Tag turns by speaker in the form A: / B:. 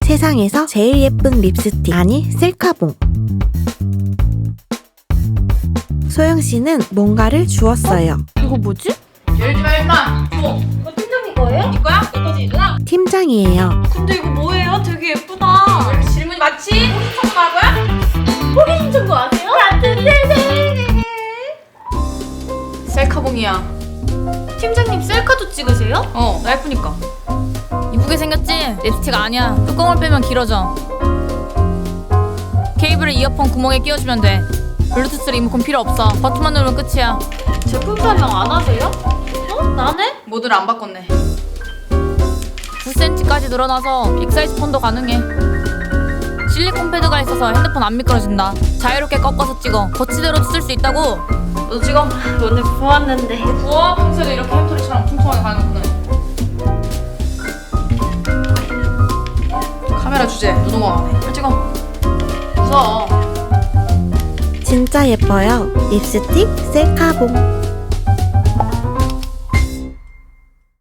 A: 세상에서 제일 예쁜 립스틱, 아니 셀카봉. 소영씨는 뭔가를 주웠어요.
B: 이거 뭐지?
C: 열지 마 임마. 뭐?
B: 이거 팀장님 거예요?
C: 네 거야? 내 거지 누나?
A: 팀장이에요.
B: 근데 이거 뭐예요? 되게 예쁘다.
C: 왜 이렇게 질문이 많지? 호기 청구 할 거야?
B: 호기심 청구 아세요? 같은 세대.
C: 셀카봉이야.
B: 팀장님 셀카도 찍으세요?
C: 나 예쁘니까.
D: 이쁘게 생겼지? 립스틱 아니야. 뚜껑을 빼면 길어져. 케이블을 이어폰 구멍에 끼워주면 돼. 블루투스 리모컨 필요 없어. 버튼만 누르면 끝이야.
B: 제품 설명 안 하세요? 나네?
C: 모드를 안 바꿨네.
D: 9cm까지 늘어나서 빅사이즈 폰도 가능해. 실리콘 패드가 있어서 핸드폰 안 미끄러진다. 자유롭게 꺾어서 찍어. 거치대로 쓸 수 있다고.
C: 너도 찍어.
B: 오늘 부었는데.
C: 부어? 평소에도 이렇게 햄토리처럼 퉁퉁하게 가는구나. 카메라 주제 노동왕 안해. 빨리 찍어. 무서워.
A: 진짜 예뻐요. 립스틱 셀카봉.